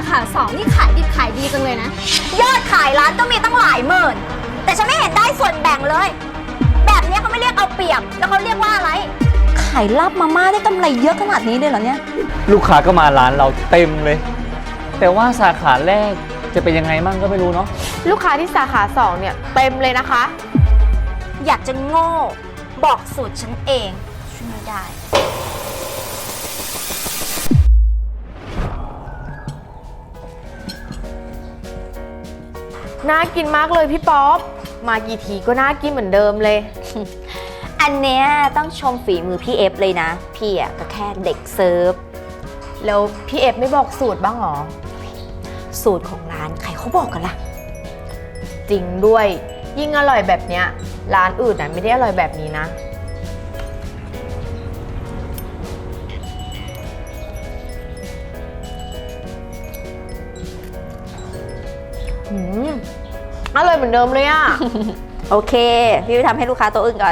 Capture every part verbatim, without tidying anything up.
ขาสองนี่ขายดิบขายดีจังเลยนะยอดขายร้านก็มีตั้งหลายหมื่นแต่ฉันไม่เห็นได้ส่วนแบ่งเลย แบบนี้เขาไม่เรียกเอาเปรียบแล้วเขาเรียกว่าอะไรขายลาบมาม่าได้กำไรเยอะขนาดนี้เลยเหรอเนี่ยลูกค้าก็มาร้านเราเต็มเลย แต่ว่าสาขาแรกจะเป็นยังไงมั่งก็ไม่รู้เนาะลูกค้าที่สาขาสองเนี่ยเต็มเลยนะคะอยากจะโง่บอกสูตรฉันเองช่วยไม่ได้น่ากินมากเลยพี่ป๊อปมากี่ทีก็น่ากินเหมือนเดิมเลยอันเนี้ยต้องชมฝีมือพี่เอฟเลยนะพี่อ่ะก็แค่เด็กเซิร์ฟแล้วพี่เอฟไม่บอกสูตรบ้างหรอสูตรของร้านใครเขาบอกกันล่ะจริงด้วยยิ่งอร่อยแบบเนี้ยร้านอื่นน่ะไม่ได้อร่อยแบบนี้นะอืมอร่อยเหมือนเดิมเลยอะโอเคพี่ไปทำให้ลูกค้าโต๊ะอื่นก่อน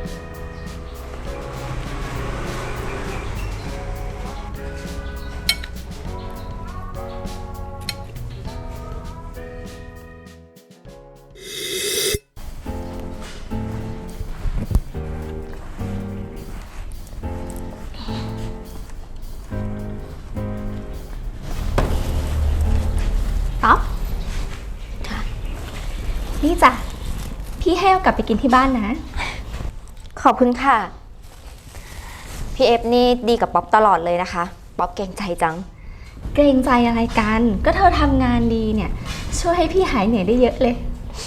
ป๊อปนี่จ้ะพี่ให้เอากลับไปกินที่บ้านนะขอบคุณค่ะพี่เอฟนี่ดีกับป๊อปตลอดเลยนะคะป๊อปเกรงใจจังเกรงใจอะไรกันก็เธอทำงานดีเนี่ยช่วยให้พี่หายเหนื่อยได้เยอะเลย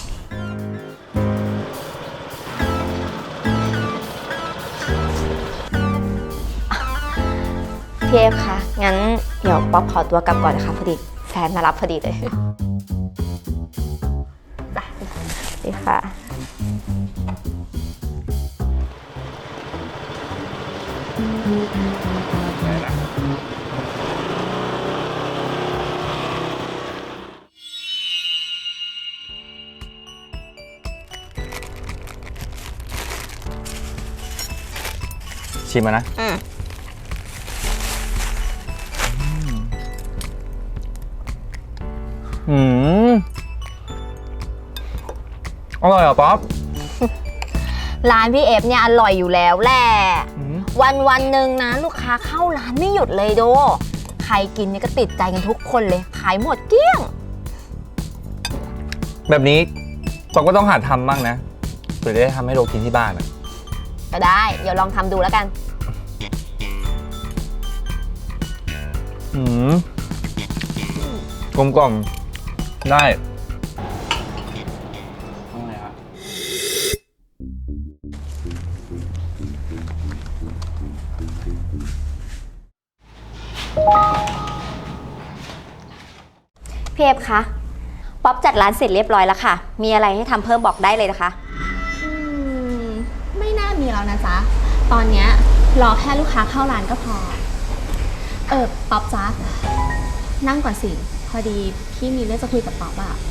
พี่เอฟคะงั้นเดี๋ยวป๊อปขอตัวกลับก่อนนะคะพอดีแฟนมารับพอดีเลยดีค่ะชิมมานะอืมอืมอร่อยเหรอป๊อปร้านพี่เอฟเนี่ยอร่อยอยู่แล้วแหละวันวันหนึ่งนะลูกค้าเข้าร้านไม่หยุดเลยโดใครกินเนี่ยก็ติดใจกันทุกคนเลยขายหมดเกลี้ยงแบบนี้ป๊อปก็ต้องหัดทำบ้างนะเพื่อได้ทำให้โลกินที่บ้านอ่ะก็ได้เดี๋ยวลองทำดูแล้วกันอืมกลมกล่อมได้พี่เอฟคะป๊อปจัดร้านเสร็จเรียบร้อยแล้วค่ะมีอะไรให้ทำเพิ่มบอกได้เลยนะคะอืมไม่น่ามีแล้วนะจ๊ะตอนเนี้ยรอแค่ลูกค้าเข้าร้านก็พอเออป๊อปจ๊ะนั่งก่อนสิพอดีพี่มีเรื่องจะคุยกับป๊อปอะ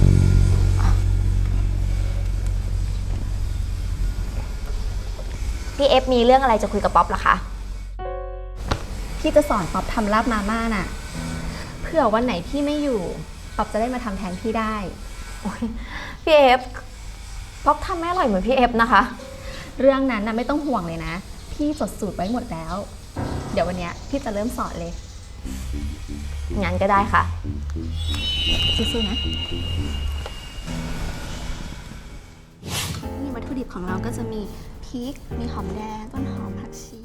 พี่เอฟมีเรื่องอะไรจะคุยกับป๊อปเหรอคะพี่จะสอนป๊อปทำลาบมาม่าน่ะเผื่อวันไหนพี่ไม่อยู่ป๊อปจะได้มาทำแทนพี่ได้พี่เอฟป๊อปทำไม่อร่อยเหมือนพี่เอฟนะคะเรื่องนั้นนะไม่ต้องห่วงเลยนะพี่จดสูตรไว้หมดแล้วเดี๋ยววันนี้พี่จะเริ่มสอนเลยงั้นก็ได้ค่ะสู้ๆนะนี่วัตถุดิบของเราก็จะมีพริกมีหอมแดงต้นหอมผักชี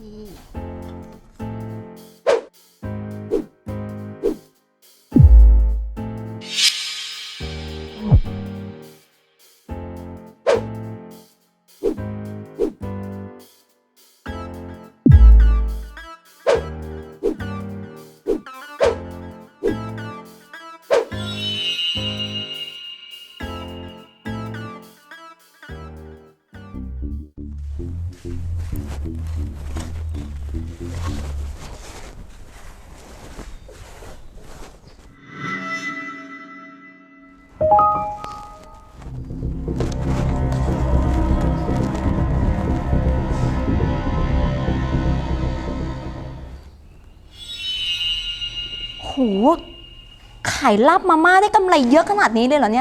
โหขขายลาบมาม่าได้กำไรเยอะขนาดนี้เลยเหรอเนี่ย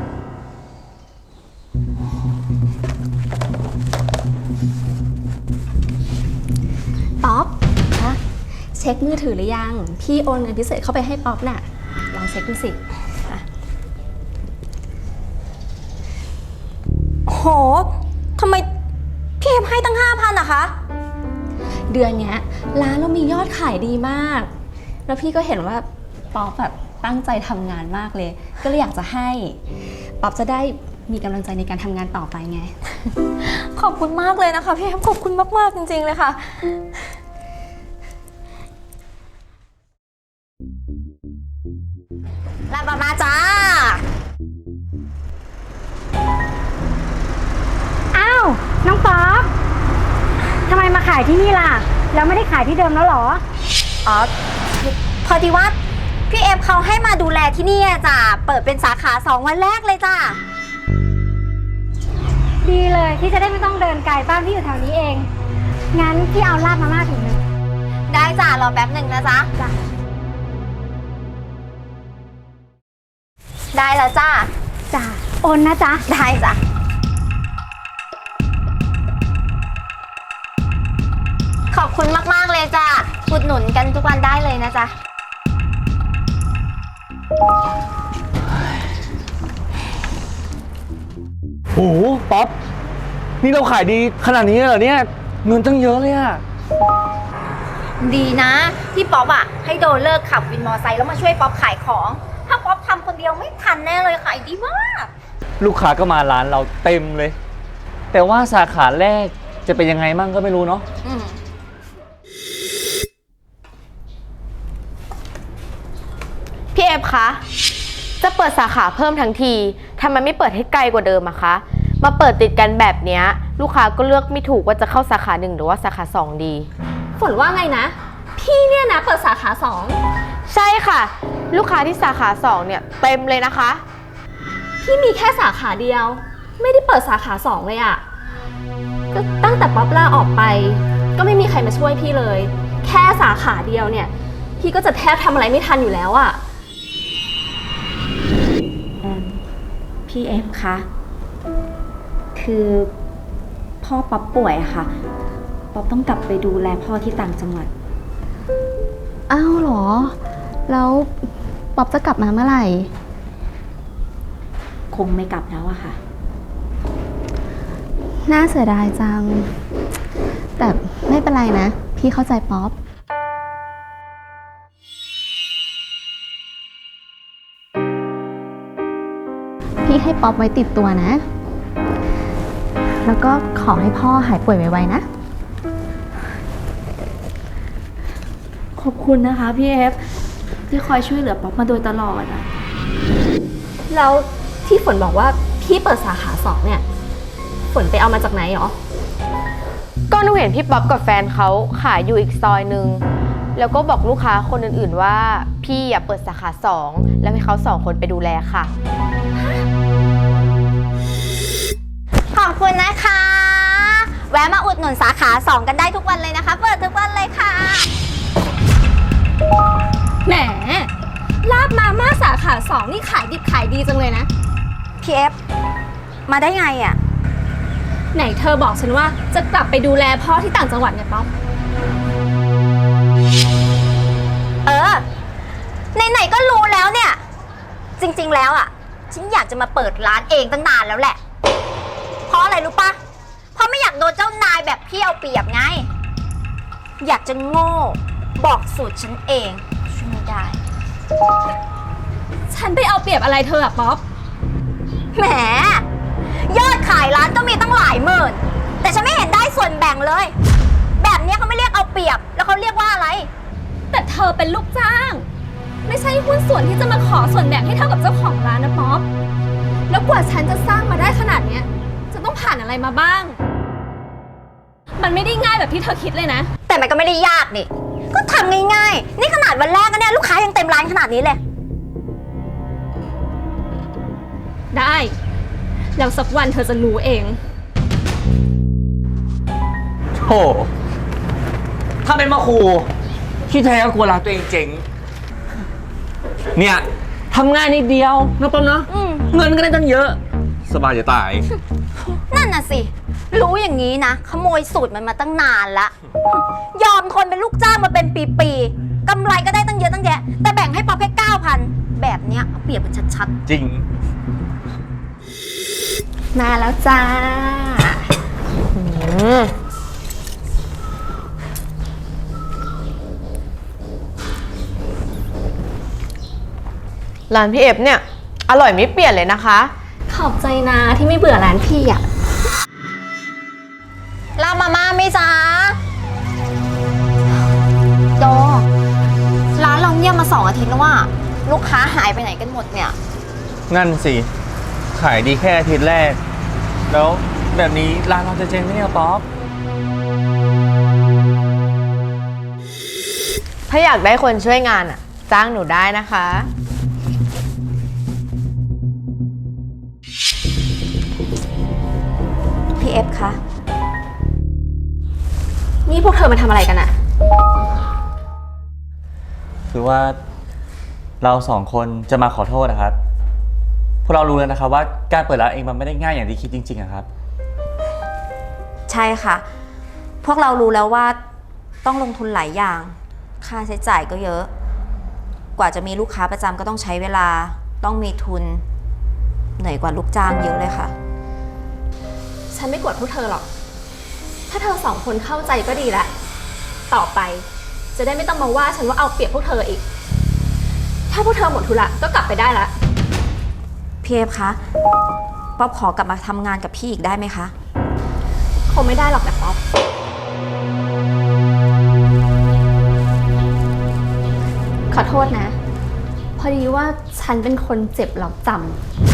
ป๊อปคะเช็คมือถือหรือยัง พี่โอนเงินพิเศษเข้าไปให้ป๊อปน่ะ ลองเช็คดูสิโหทำไมพี่เอฟให้ตั้งห้าพันอะคะเดือนเนี้ยร้านเรามียอดขายดีมาก แล้วพี่ก็เห็นว่าป๊อปแบบตั้งใจทำงานมากเลย ก็เลยอยากจะให้ ป๊อปจะได้มีกำลังใจในการทำงานต่อไปไงขอบคุณมากเลยนะคะพี่เอฟขอบคุณมากๆจริงๆเลยค่ะ ลาบมาม่าจ้าอ้าว น้องป๊อปทำไมมาขายที่นี่ล่ะ แล้วไม่ได้ขายที่เดิมแล้วเหรออ๋อ พอดีว่าพี่เอฟเขาให้มาดูแลที่นี่อะจ้ะ เปิดเป็นสาขาสองวันแรกเลยจ้ะดีเลยที่จะได้ไม่ต้องเดินไกลบ้านที่อยู่แถวนี้เอง งั้นพี่เอาลาบมาม่าถุงหนึ่งได้จ้ะ รอแป๊บหนึ่งนะจ๊ะจ้ะได้แล้วจ้ะจ้ะโอนนะจ๊ะได้จ้ะ ขอบคุณมากๆเลยจ้ะอุดหนุนกันทุกวันได้เลยนะจ๊ะโอ้โหป๊อป นี่เราขายดีขนาดนี้เลยเหรอเนี่ย เงินตั้งเยอะเลยอะดีนะที่ป๊อปอะให้โดนเลิกขับวินมอไซค์แล้วมาช่วยป๊อปขายของ ถ้าป๊อปทำคนเดียวไม่ทันแน่เลยขายดีมากลูกค้าก็มาร้านเราเต็มเลย แต่ว่าสาขาแรกจะเป็นยังไงมั่งก็ไม่รู้เนาะอืมพี่เอฟคะ จะเปิดสาขาเพิ่มทั้งทีทำไมไม่เปิดให้ไกลกว่าเดิมอะคะ มาเปิดติดกันแบบเนี้ยลูกค้าก็เลือกไม่ถูกว่าจะเข้าสาขาหนึ่งหรือว่าสาขาสองดีฝนว่าไงนะ พี่เนี่ยนะเปิดสาขาสองใช่ค่ะ ลูกค้าที่สาขาสองเนี่ยเต็มเลยนะคะพี่มีแค่สาขาเดียว ไม่ได้เปิดสาขาสองเลยอะก็ตั้งแต่ป๊อปลาออกไป ก็ไม่มีใครมาช่วยพี่เลย แค่สาขาเดียวเนี่ย พี่ก็จะแทบทำอะไรไม่ทันอยู่แล้วอะพี่เอฟคะ คือพ่อป๊อปป่วยอะค่ะ ป๊อปต้องกลับไปดูแลพ่อที่ต่างจังหวัดอ้าวเหรอ แล้วป๊อปจะกลับมาเมื่อไหร่คงไม่กลับแล้วอะค่ะน่าเสียดายจัง แต่ไม่เป็นไรนะ พี่เข้าใจป๊อป พี่ให้ป๊อปไว้ติดตัวนะ แล้วก็ขอให้พ่อหายป่วยไวๆนะขอบคุณนะคะพี่เอฟที่คอยช่วยเหลือป๊อปมาโดยตลอดอะแล้วที่ฝนบอกว่าพี่เปิดสาขาสองเนี่ย ฝนไปเอามาจากไหนหรอก็หนูเห็นพี่ป๊อปกับแฟนเขาขายอยู่อีกซอยหนึ่งแล้วก็บอกลูกค้าคนอื่นๆว่าพี่อย่าเปิดสาขาสองแล้วให้เขาสองคนไปดูแลค่ะขอบคุณนะคะ แวะมาอุดหนุนสาขาสองกันได้ทุกวันเลยนะคะ เปิดทุกวันเลยค่ะแหม ลาบมาม่าสาขาสองนี่ขายดิบขายดีจังเลยนะพี่เอฟมาได้ไงอะไหนเธอบอกฉันว่าจะกลับไปดูแลพ่อที่ต่างจังหวัดไงป๊อปเออไหนๆก็รู้แล้วเนี่ย จริงๆแล้วอะฉันอยากจะมาเปิดร้านเองตั้งนานแล้วแหละ เพราะอะไรรู้ปะเพราะไม่อยากโดนเจ้านายแบบพี่เอาเปรียบไง อยากจะโง่บอกสูตรฉันเองช่วยไม่ได้ฉันไปเอาเปรียบอะไรเธออะป๊อปแหมยอดขายร้านก็มีตั้งหลายหมื่น แต่ฉันไม่เห็นได้ส่วนแบ่งเลย แบบนี้เขาไม่เรียกเอาเปรียบแล้วเขาเรียกว่าอะไรแต่เธอเป็นลูกจ้าง ไม่ใช่หุ้นส่วนที่จะมาขอส่วนแบ่งให้เท่ากับเจ้าของร้านนะป๊อป แล้วกว่าฉันจะสร้างมาได้ขนาดเนี้ยจะต้องผ่านอะไรมาบ้าง มันไม่ได้ง่ายแบบที่เธอคิดเลยนะแต่มันก็ไม่ได้ยากนี่ก็ทำง่ายๆนี่ขนาดวันแรกก็เนี่ยลูกค้ายังเต็มร้านขนาดนี้เลยได้ แล้วสักวันเธอจะรู้เองโอ้ถ้าเป็นมาครูที่แท้ก็กลัวร้านตัวเองเจ๋ง เนี่ยทำง่ายนิดเดียวนะป๊อปเนาะอืมเงินก็ได้ตั้งเยอะ สบายจะตายนั่นน่ะสิ รู้อย่างนี้นะ ขโมยสูตรมันมาตั้งนานละ ยอมทนเป็นลูกจ้างมาเป็นปีๆกำไรก็ได้ตั้งเยอะตั้งแยะ แต่แบ่งให้ป๊อปแค่เก้าพันแบบเนี้ยเอาเปรียบกันชัดจริงมาแล้วจ้าอืมร้านพี่เอฟเนี่ย อร่อยไม่เปลี่ยนเลยนะคะขอบใจนะที่ไม่เบื่อร้านพี่อ่ะๆรับมาม่าไหมจ๊ะโดร้านเราเงียบมาสองอาทิตย์แล้วว่าลูกค้าหายไปไหนกันหมดเนี่ยนั่นสิ ขายดีแค่อาทิตย์แรก แล้วแบบนี้ร้านเราจะเจ๊งไหมเนี่ยป๊อปถ้าอยากได้คนช่วยงานอ่ะ จ้างหนูได้นะคะพี่เอฟคะนี่พวกเธอมาทำอะไรกันอะคือว่าเราสองคนจะมาขอโทษนะครับ พวกเรารู้แล้วนะครับว่าการเปิดร้านเองมันไม่ได้ง่ายอย่างที่คิดจริงๆอะครับใช่ค่ะ พวกเรารู้แล้วว่าต้องลงทุนหลายอย่าง ค่าใช้จ่ายก็เยอะ กว่าจะมีลูกค้าประจำก็ต้องใช้เวลา ต้องมีทุน เหนื่อยกว่าลูกจ้างเยอะเลยค่ะฉันไม่กดพวกเธอหรอก ถ้าเธอสองคนเข้าใจก็ดีละ ต่อไปจะได้ไม่ต้องมาว่าฉันว่าเอาเปรียบพวกเธออีก ถ้าพวกเธอหมดธุระก็กลับไปได้ละพี่เอฟคะ ป๊อปขอกลับมาทำงานกับพี่อีกได้ไหมคะคงไม่ได้หรอกนะป๊อป ขอโทษนะ พอดีว่าฉันเป็นคนเจ็บหลอกจำ